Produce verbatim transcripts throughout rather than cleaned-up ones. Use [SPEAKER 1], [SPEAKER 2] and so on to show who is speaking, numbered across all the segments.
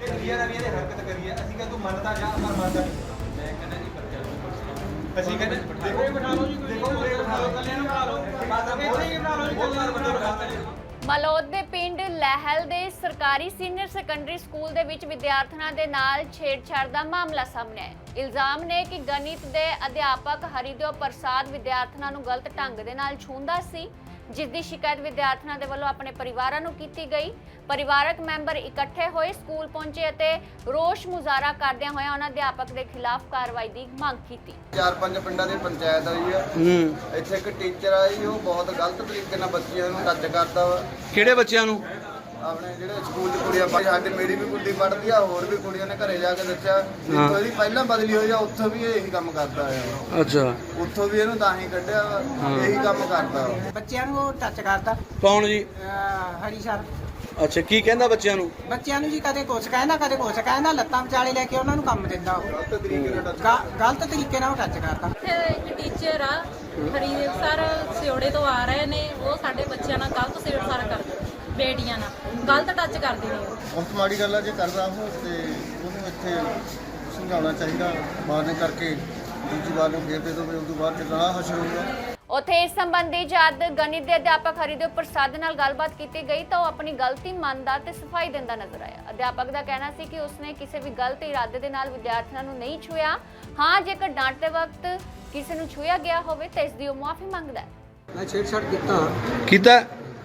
[SPEAKER 1] ਚੰਗੀਆਂ ਰਵੀਆਂ ਦੇ ਹਰਕਤ ਕਰੀਏ ਅਸੀਂ ਕਹਿੰਦੇ ਤੂੰ ਮੰਨਦਾ ਜਾ ਪਰ ਮੰਨਦਾ ਨਹੀਂ। ਮੈਂ ਕਹਿੰਦਾ ਜੀ ਬੱਚਿਆਂ ਨੂੰ ਅਸੀਂ ਕਹਿੰਦੇ ਦੇਖੋ ਇਹ ਬਿਠਾ ਲਓ ਜੀ, ਦੇਖੋ ਇਹ ਬਿਠਾ ਲਓ, ਕੱਲਿਆਂ ਨੂੰ ਬਿਠਾ ਲਓ, ਬਾਅਦ ਵਿੱਚ ਇੱਥੇ ਹੀ ਬਿਠਾ ਲਓ ਜੀ, ਕੱਲਿਆਂ ਨੂੰ ਬਿਠਾ ਲਓ।
[SPEAKER 2] ਮਲੌਦ ਦੇ ਪਿੰਡ ਲਹਿਲ ਦੇ ਸਰਕਾਰੀ ਸੀਨੀਅਰ ਸੈਕੰਡਰੀ ਸਕੂਲ ਦੇ ਵਿੱਚ ਵਿਦਿਆਰਥਣਾਂ ਦੇ ਨਾਲ ਛੇੜਛਾੜ ਦਾ ਮਾਮਲਾ ਸਾਹਮਣੇ ਆਇਆ। ਇਲਜ਼ਾਮ ਨੇ ਕਿ ਗਣਿਤ ਦੇ ਅਧਿਆਪਕ ਹਰੀਦੇਵ ਪ੍ਰਸਾਦ ਵਿਦਿਆਰਥਣਾਂ ਨੂੰ ਗਲਤ ਢੰਗ ਦੇ ਨਾਲ ਛੂੰਹਦਾ ਸੀ, ਜਿਸ ਦੀ ਸ਼ਿਕਾਇਤ ਵਿਦਿਆਰਥਣਾਂ ਦੇ ਵੱਲੋਂ ਆਪਣੇ ਪਰਿਵਾਰਾਂ ਨੂੰ ਕੀਤੀ ਗਈ। ਪਰਿਵਾਰਕ ਮੈਂਬਰ ਇਕੱਠੇ ਹੋਏ ਸਕੂਲ ਪਹੁੰਚੇ ਅਤੇ ਰੋਸ ਮੁਜ਼ਾਹਰਾ ਕਰਦਿਆਂ ਹੋਇਆ ਉਹਨਾਂ ਅਧਿਆਪਕ ਦੇ ਖਿਲਾਫ ਕਾਰਵਾਈ ਦੀ ਮੰਗ ਕੀਤੀ।
[SPEAKER 3] ਚਾਰ ਪੰਜ ਪਿੰਡਾਂ ਦੀ ਪੰਚਾਇਤ ਆਈ ਆ, ਇੱਥੇ ਇੱਕ ਟੀਚਰ ਆਈ, ਉਹ ਬਹੁਤ ਗਲਤ ਤਰੀਕੇ ਨਾਲ ਬੱਚਿਆਂ ਨੂੰ ਟੱਚ ਕਰਦਾ ਵਾ।
[SPEAKER 4] ਕਿਹੜੇ ਬੱਚਿਆਂ ਨੂੰ?
[SPEAKER 3] ਆਪਣੇ ਜਿਹੜੇ ਸਕੂਲ 'ਚ ਕੁੜੀਆਂ ਪੜ੍ਹਦੀ, ਸਾਡੇ ਮੇਰੀ ਵੀ ਕੁੜੀ ਪੜ੍ਹਦੀ ਆ, ਹੋਰ ਵੀ ਕੁੜੀਆਂ ਨੇ ਘਰੇ ਜਾ ਕੇ ਦੱਸਿਆ ਜਿੱਥੋਂ ਇਹਦੀ ਪਹਿਲਾਂ ਬਦਲੀ ਹੋਈ ਆ ਉੱਥੋਂ ਵੀ ਇਹੀ ਕੰਮ ਕਰਦਾ ਆ।
[SPEAKER 4] ਅੱਛਾ,
[SPEAKER 3] ਉੱਥੋਂ ਵੀ ਇਹਨੂੰ ਤਾਂ ਹੀ ਕੱਢਿਆ ਵਾ, ਇਹੀ ਕੰਮ ਕਰਦਾ ਵਾ।
[SPEAKER 5] ਬੱਚਿਆਂ ਨੂੰ ਟੱਚ ਕਰਦਾ।
[SPEAKER 4] ਕੌਣ ਜੀ?
[SPEAKER 5] ਹਰੀ ਸਰ।
[SPEAKER 4] ਅੱਛਾ, ਕੀ ਕਹਿੰਦਾ ਬੱਚਿਆਂ ਨੂੰ?
[SPEAKER 5] ਬੱਚਿਆਂ ਨੂੰ ਜੀ ਕਦੇ ਕੁਛ ਕਹਿੰਦਾ ਕਦੇ ਕੁਛ ਕਹਿੰਦਾ, ਲੱਤਾਂ ਵਿਚਾਲੇ ਲੈ ਕੇ ਉਹਨਾਂ ਨੂੰ ਕੰਮ ਦਿੰਦਾ। ਉਹ
[SPEAKER 3] ਗਲਤ ਤਰੀਕੇ ਨਾਲ ਟੱਚ
[SPEAKER 5] ਗ- ਗਲਤ ਤਰੀਕੇ ਨਾਲ ਉਹ ਟੱਚ ਕਰਦਾ।
[SPEAKER 6] ਇੱਥੇ ਇੱਕ ਟੀਚਰ ਆ ਹਰੀਦੇਵ ਸਰ ਸਿਉੜੇ ਤੋਂ ਆ ਰਹੇ ਨੇ, ਉਹ ਸਾਡੇ ਬੱਚਿਆਂ ਨਾਲ ਗਲਤ ਛੇੜਛਾੜ ਕਰਦੇ, ਬੇਟੀਆਂ ਨਾਲ ਗਲਤ ਟੱਚ ਕਰਦੇ ਨੇ।
[SPEAKER 3] ਬਹੁਤ ਮਾੜੀ ਗੱਲ ਆ ਜੇ ਕਰਦਾ ਉਹ, ਤੇ ਉਹਨੂੰ ਇੱਥੇ ਸਮਝਾਉਣਾ ਚਾਹੀਦਾ। ਮਾਰਨੇ ਕਰਕੇ ਦੂਜੀ ਵਾਰ ਨੂੰ ਫੇਰ ਦੇ ਦੋ, ਉਸ ਤੋਂ ਬਾਅਦ ਚੱਲਣਾ ਹਸ਼ਰ ਹੋਊਗਾ।
[SPEAKER 2] ਉੱਥੇ ਇਸ ਸੰਬੰਧੀ ਜਦ ਗਣਿਤ ਦੇ ਅਧਿਆਪਕ ਹਰੀਦੇਵ ਪ੍ਰਸਾਦ ਨਾਲ ਗੱਲਬਾਤ ਕੀਤੀ ਗਈ ਤਾਂ ਉਹ ਆਪਣੀ ਗਲਤੀ ਮੰਨਦਾ ਤੇ ਸਫਾਈ ਦਿੰਦਾ ਨਜ਼ਰ ਆਇਆ। ਅਧਿਆਪਕ ਦਾ ਕਹਿਣਾ ਸੀ ਕਿ ਉਸਨੇ ਕਿਸੇ ਵੀ ਗਲਤ ਇਰਾਦੇ ਦੇ ਨਾਲ ਵਿਦਿਆਰਥੀਆਂ ਨੂੰ ਨਹੀਂ ਛੂਇਆ। ਹਾਂ, ਜੇਕਰ ਡਾਂਟਦੇ ਵਕਤ ਕਿਸੇ ਨੂੰ ਛੂਇਆ ਗਿਆ ਹੋਵੇ ਤਾਂ ਇਸ ਦੀ ਉਹ ਮੁਆਫੀ ਮੰਗਦਾ ਹੈ।
[SPEAKER 5] ਮੈਂ ਛੇੜਛਾੜ ਕੀਤਾ
[SPEAKER 4] ਕੀਤਾ?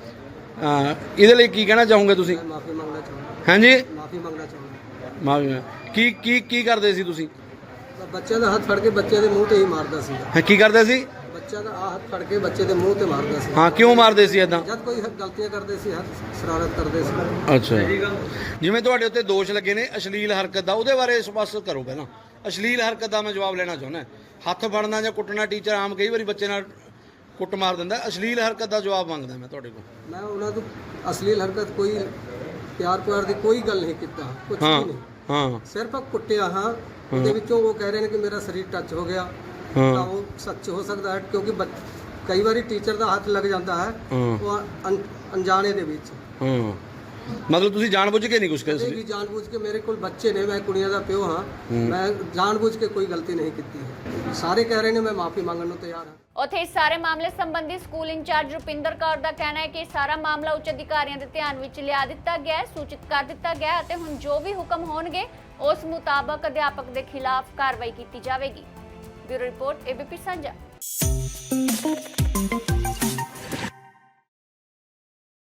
[SPEAKER 4] ਹਾਂ, ਇਹਦੇ ਲਈ ਕੀ ਕਹਿਣਾ ਚਾਹੋਗੇ ਤੁਸੀਂ?
[SPEAKER 5] ਮਾਫੀ ਮੰਗਣਾ ਚਾਹੁੰਦਾ।
[SPEAKER 4] ਹਾਂਜੀ,
[SPEAKER 5] ਮਾਫੀ ਮੰਗਣਾ ਚਾਹੁੰਦਾ।
[SPEAKER 4] ਮਾਫੀ। ਕੀ ਕੀ ਕੀ ਕਰਦੇ ਸੀ ਤੁਸੀਂ?
[SPEAKER 5] ਬੱਚਿਆਂ ਦਾ ਹੱਥ ਫੜ ਕੇ ਬੱਚੇ ਦੇ ਮੂੰਹ ਤੇ ਹੀ ਮਾਰਦਾ ਸੀ।
[SPEAKER 4] ਹਾਂ, ਕੀ ਕਰਦੇ ਸੀ?
[SPEAKER 5] ਬੱਚਾ ਦਾ ਆਹ ਹੱਥ ਫੜ ਕੇ ਬੱਚੇ ਦੇ ਮੂੰਹ ਤੇ ਮਾਰਦਾ ਸੀ।
[SPEAKER 4] ਹਾਂ, ਕਿਉਂ ਮਾਰਦੇ ਸੀ ਏਦਾਂ?
[SPEAKER 5] ਜਦ ਕੋਈ ਗਲਤੀਆਂ ਕਰਦੇ ਸੀ, ਹਰ ਸ਼ਰਾਰਤ ਕਰਦੇ ਸੀ।
[SPEAKER 4] ਅੱਛਾ, ਜਿਵੇਂ ਤੁਹਾਡੇ ਉੱਤੇ ਦੋਸ਼ ਲੱਗੇ ਨੇ ਅਸ਼ਲੀਲ ਹਰਕਤ ਦਾ, ਉਹਦੇ ਬਾਰੇ ਸਪਸ਼ਟ ਕਰੋ ਪਹਿਲਾਂ। ਅਸ਼ਲੀਲ ਹਰਕਤ ਦਾ ਮੈਂ ਜਵਾਬ ਲੈਣਾ ਚਾਹੁੰਦਾ। ਹੱਥ ਫੜਨਾ ਜਾਂ ਕੁੱਟਣਾ, ਟੀਚਰ ਆਮ ਕਈ ਵਾਰੀ ਬੱਚੇ ਨਾਲ ਕੁੱਟ ਮਾਰ ਦਿੰਦਾ। ਅਸ਼ਲੀਲ ਹਰਕਤ ਦਾ ਜਵਾਬ ਮੰਗਦਾ ਮੈਂ ਤੁਹਾਡੇ ਕੋਲ।
[SPEAKER 5] ਮੈਂ ਉਹਨਾਂ ਤੋਂ ਅਸਲੀ ਹਰਕਤ ਕੋਈ ਪਿਆਰ ਪਿਆਰ ਦੀ ਕੋਈ ਗੱਲ ਨਹੀਂ ਕੀਤਾ, ਕੁਝ ਵੀ
[SPEAKER 4] ਹਾਂ
[SPEAKER 5] ਨਹੀਂ।
[SPEAKER 4] ਹਾਂ
[SPEAKER 5] ਸਿਰਫ ਕੁੱਟਿਆ। ਹਾਂ, ਉਹਦੇ ਵਿੱਚੋਂ ਉਹ ਕਹਿ ਰਹੇ ਨੇ ਕਿ ਮੇਰਾ ਸਰੀਰ ਟੱਚ ਹੋ ਗਿਆ।
[SPEAKER 4] ਹਾਂ।
[SPEAKER 5] ਤਾਂ ਉਹ ਸੱਚ ਹੋ ਸਕਦਾ ਹੈ, ਕਿਉਂਕਿ ਬੱਚ- ਕਈ ਵਾਰੀ ਟੀਚਰ ਦਾ ਹੱਥ ਲੱਗ ਜਾਂਦਾ ਹੈ
[SPEAKER 4] ਹਾਂ।
[SPEAKER 5] ਉਹ ਅਣ- ਅਣਜਾਣੇ ਦੇ ਵਿੱਚ।
[SPEAKER 4] ਹਾਂ, ਮਤਲਬ ਤੁਸੀਂ ਜਾਣਬੁੱਝ ਕੇ ਨਹੀਂ ਕੁਝ
[SPEAKER 5] ਕਦੇ
[SPEAKER 4] ਕਰਦੇ?
[SPEAKER 5] ਵੀ ਜਾਣਬੁੱਝ ਕੇ, ਮੇਰੇ ਕੋਲ ਬੱਚੇ ਨੇ, ਮੈਂ ਕੁੜੀਆਂ ਦਾ ਪਿਓ ਹਾਂ, ਮੈਂ ਜਾਣਬੁੱਝ ਕੇ ਕੋਈ ਗਲਤੀ ਨਹੀਂ ਕੀਤੀ ਹੈ। ਸਾਰੇ ਕਹਿ ਰਹੇ ਨੇ, ਮੈਂ ਮਾਫੀ ਮੰਗਣ ਨੂੰ ਤਿਆਰ ਹਾਂ।
[SPEAKER 2] ਉੱਥੇ ਇਸ ਸਾਰੇ ਮਾਮਲੇ ਸੰਬੰਧੀ ਸਕੂਲ ਇੰਚਾਰਜ ਰੁਪਿੰਦਰ ਕੌਰ ਦਾ ਕਹਿਣਾ ਹੈ ਕਿ ਇਹ ਸਾਰਾ ਮਾਮਲਾ ਉੱਚ ਅਧਿਕਾਰੀਆਂ ਦੇ ਧਿਆਨ ਵਿੱਚ ਲਿਆ ਦਿੱਤਾ ਗਿਆ ਹੈ, ਸੂਚਿਤ ਕਰ ਦਿੱਤਾ ਗਿਆ ਹੈ ਅਤੇ ਹੁਣ ਜੋ ਵੀ ਹੁਕਮ ਹੋਣਗੇ ਉਸ ਮੁਤਾਬਕ ਅਧਿਆਪਕ ਦੇ ਖਿਲਾਫ ਕਾਰਵਾਈ ਕੀਤੀ ਜਾਵੇਗੀ। ਬਿਊਰੋ ਰਿਪੋਰਟ, ਏਬੀਪੀ ਸਾਂਝਾ।